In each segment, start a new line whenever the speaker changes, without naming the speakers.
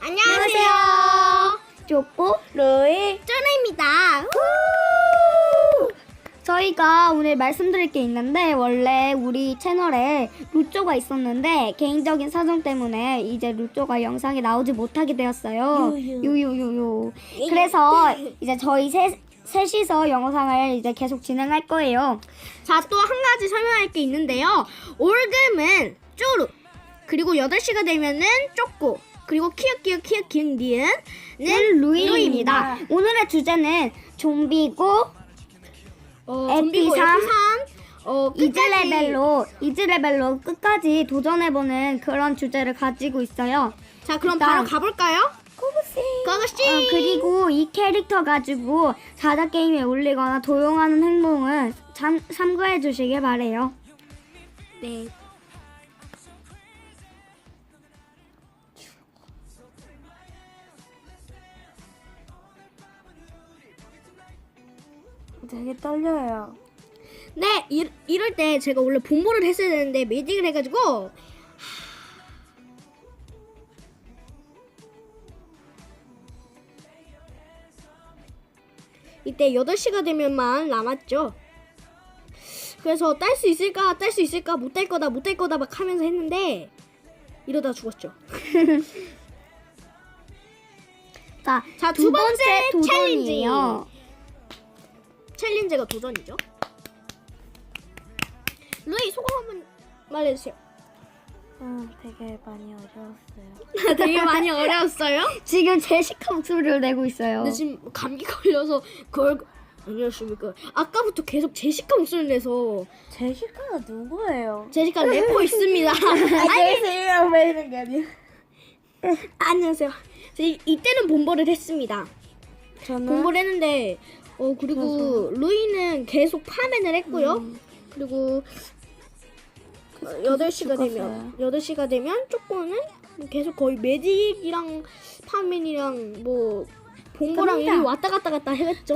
안녕하세요.
쪼꼬
루이 쩌나입니다.
저희가 오늘 말씀드릴 게 있는데 원래 우리 채널에 루쪼가 있었는데 개인적인 사정 때문에 이제 루쪼가 영상에 나오지 못하게 되었어요. 유유유유. 그래서 이제 저희 셋이서 영상을 이제 계속 진행할 거예요.
자, 또 한 가지 설명할 게 있는데요. 올금은 쪼루, 그리고 8시가 되면은 쪼꼬, 그리고 키읔키읔키읔키읔 니은은 루이입니다.
오늘의 주제는 좀비고
좀비고
MP3
끝까지.
이즈 레벨로 끝까지 도전해보는 그런 주제를 가지고 있어요.
자, 그럼
일단
바로 가볼까요? 고고씨.
그리고 이 캐릭터 가지고 자다 게임에 올리거나 도용하는 행동은 참고해 주시길 바래요.
네.
되게 떨려요.
네, 이럴 때 제가 원래 본보를 했어야 되는데 매직을 해가지고 이때 8시가 되면만 남았죠. 그래서 딸 수 있을까 못 딸 거다 막 하면서 했는데 이러다 죽었죠.
자,
자,
두 번째 도전이에요.
챌린지가 도전이죠. 루이 소감 한번 말해주세요.
되게 많이 어려웠어요.
되게 많이 어려웠어요.
지금 제시카 목소리를 내고 있어요.
근데 지금 감기 걸려서 그걸 안녕하십니까. 아까부터 계속 제시카 목소리를 내서.
제시카가 누구예요?
제시카 래퍼 있습니다.
안녕하세요. 왜 이런 게 아니야?
안녕하세요. 이때는 본보를 했습니다.
저는
본보를 했는데 그리고 루이는 계속 파맨을 했고요. 그리고 8시가 되면 쪼꼬는 계속 거의 매직이랑 파맨이랑 뭐 본보랑
끝난다.
이리 왔다 갔다 해갔죠.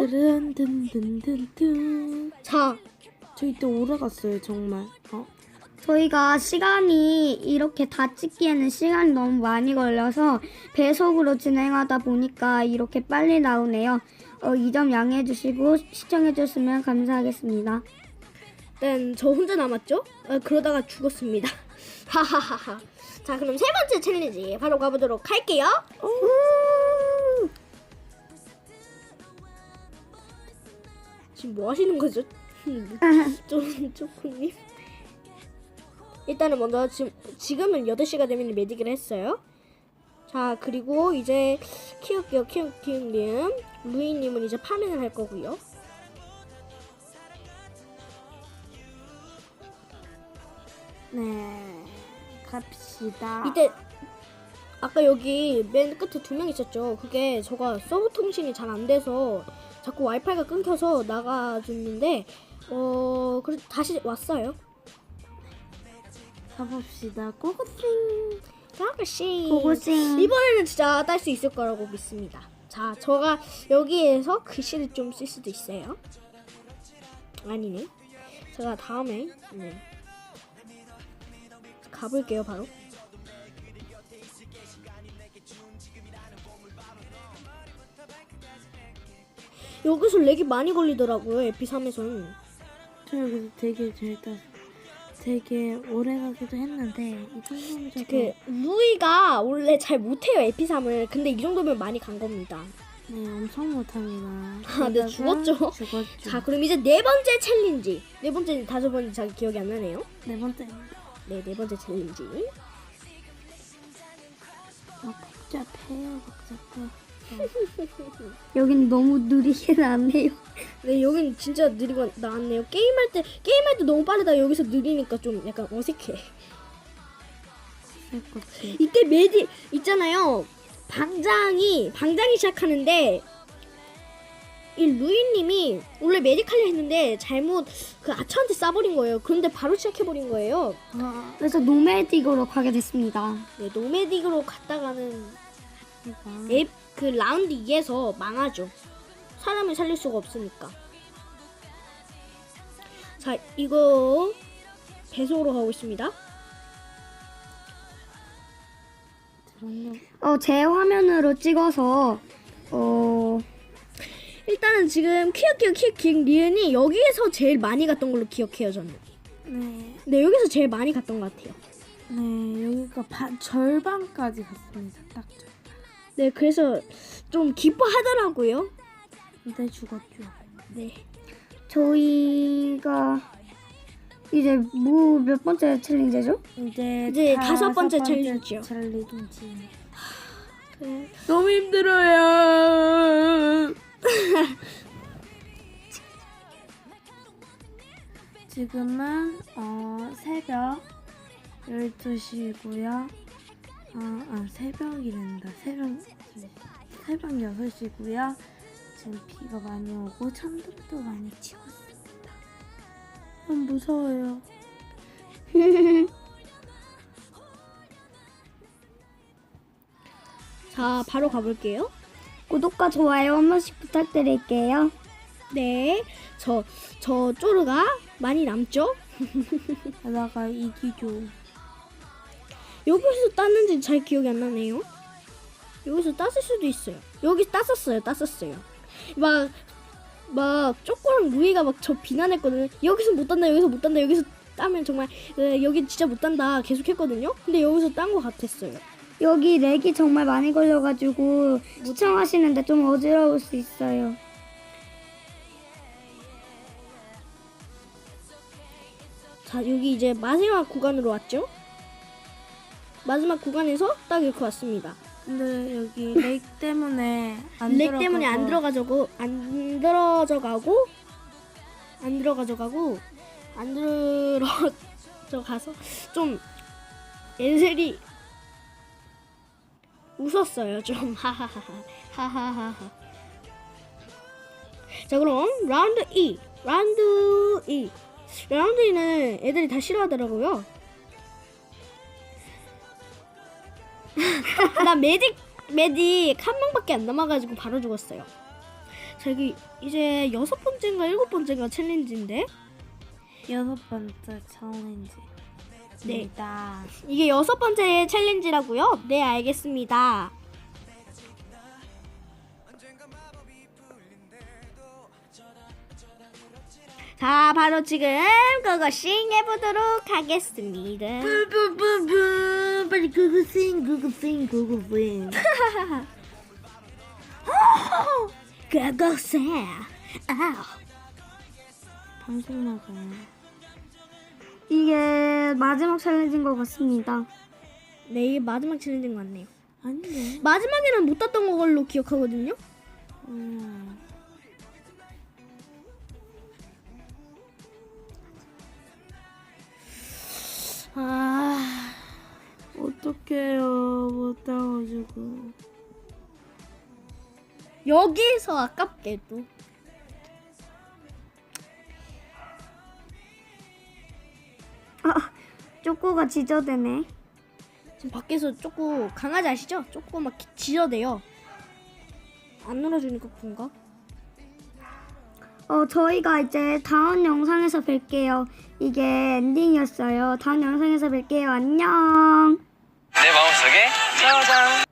든든든든든.
자,
저 이때 오래 갔어요 정말.
저희가 시간이 이렇게 다 찍기에는 시간이 너무 많이 걸려서 배속으로 진행하다 보니까 이렇게 빨리 나오네요. 이 점 양해해 주시고 시청해 주셨으면 감사하겠습니다.
일단 저 혼자 남았죠? 그러다가 죽었습니다. 하하하하. 자, 그럼 세 번째 챌린지 바로 가보도록 할게요. 지금 뭐 하시는 거죠? 쪼코님. 일단은 먼저 지금은 8시가 되면 매직을 했어요. 자, 그리고 이제 키읔키읔키읔님 루이님은 이제 파밍을 할 거고요.
네, 갑시다.
이때 아까 여기 맨 끝에 2명 있었죠. 그게 저가 서브 통신이 잘 안 돼서 자꾸 와이파이가 끊겨서 나가줬는데 그래서 다시 왔어요.
가봅시다. 고고싱.
고고씨.
고고싱.
이번에는 진짜 딸 수 있을 거라고 믿습니다. 자, 저가 여기에서 글씨를 좀 쓸 수도 있어요. 아니네. 제가 다음에 가볼게요. 바로. 여기서 렉이 많이 걸리더라고요. 에피3에서는.
저 여기서 되게 오래 가기도 했는데 이 정도면
그 루이가 원래 잘 못해요. 에피3을. 근데 이 정도면 많이 간 겁니다.
네, 엄청 못합니다.
네, 죽었죠.
죽었죠.
자, 그럼 이제 네 번째 챌린지. 네 번째, 다섯 번째 잘 기억이 안 나네요.
네 번째.
네, 네 번째 챌린지.
복잡해요, 복잡해.
여긴 너무 느리게 나네요.
네, 여긴 진짜 느리고 나왔네요. 게임할 때 너무 빠르다. 여기서 느리니까 좀 약간 어색해.
쓸것지.
이때 매직 있잖아요. 방장이 시작하는데 이 루이님이 원래 매직 하려 했는데 잘못 그 아처한테 쏴버린 거예요. 그런데 바로 시작해버린 거예요.
그래서 노매딕으로 가게 됐습니다.
네, 노매딕으로 갔다가는
이거.
그 라운드 2에서 망하죠. 사람을 살릴 수가 없으니까. 자, 이거 배속으로 가고 있습니다.
저런요.
제 화면으로 찍어서
일단은 지금 키읔 리은이 여기에서 제일 많이 갔던 걸로 기억해요 저는.
네.
네 여기서 제일 많이 갔던 것 같아요.
네, 여기가 절반까지 갔습니다. 딱 절반.
네 그래서 좀 기뻐하더라고요.
근데 죽었죠.
네.
저희가 이제 뭐 몇 번째 챌린지죠?
이제 다섯 번째 챌린지요.
챌린지.
네.
너무 힘들어요. 지금은 새벽 12시고요. 새벽이란다. 새벽 6시고요. 지금 비가 많이 오고 천둥도 많이 치고 있습니다. 너무 무서워요.
자 바로 가볼게요.
구독과 좋아요 한 번씩 부탁드릴게요.
네. 저 쪼르가 많이 남죠?
게다가 이기죠.
여기서 땄는지 잘 기억이 안 나네요. 여기서 땄을 수도 있어요. 여기 땄었어요. 막 쪼꼬랑 루이가 막 저 비난했거든요. 여기서 못 딴다. 여기서 따면 정말 여기 진짜 못 딴다. 계속 했거든요. 근데 여기서 딴 것 같았어요.
여기 렉이 정말 많이 걸려가지고 시청하시는데 좀 어지러울 수 있어요.
자 여기 이제 마지막 구간으로 왔죠? 마지막 구간에서 딱 이렇게 왔습니다.
근데 여기 렉 때문에 안
렉 때문에 안 들어가져가고 좀 엔셀이 웃었어요 좀 하하하하. 자 그럼 라운드 2는 애들이 다 싫어하더라고요. 나 매직 한 명밖에 안 남아가지고 바로 죽었어요. 자 여기 이제 6번째인가 7번째인가 챌린지인데
6번째 챌린지.
네 이게 6번째 챌린지라고요? 네 알겠습니다. 자 바로 지금 그것씩 해보도록 하겠습니다.
뿌뿌뿌뿌 빨리 구구싱.
그것을
방송 나가요.
이게 마지막 챌린지인 것 같습니다.
네 이게 마지막 챌린지인 것 같네요.
아닌데.
마지막에는 못 땄던 걸로 기억하거든요.
어떡해요. 못 따가지고.
여기서 아깝게도
쪼꼬가 지저대네.
지금 밖에서 쪼꼬 강아지 아시죠? 쪼꼬 막 지저대요. 안 놀아주니까 그런가?
저희가 이제 다음 영상에서 뵐게요. 이게 엔딩이었어요. 다음 영상에서 뵐게요. 안녕.
내 마음속에 짜잔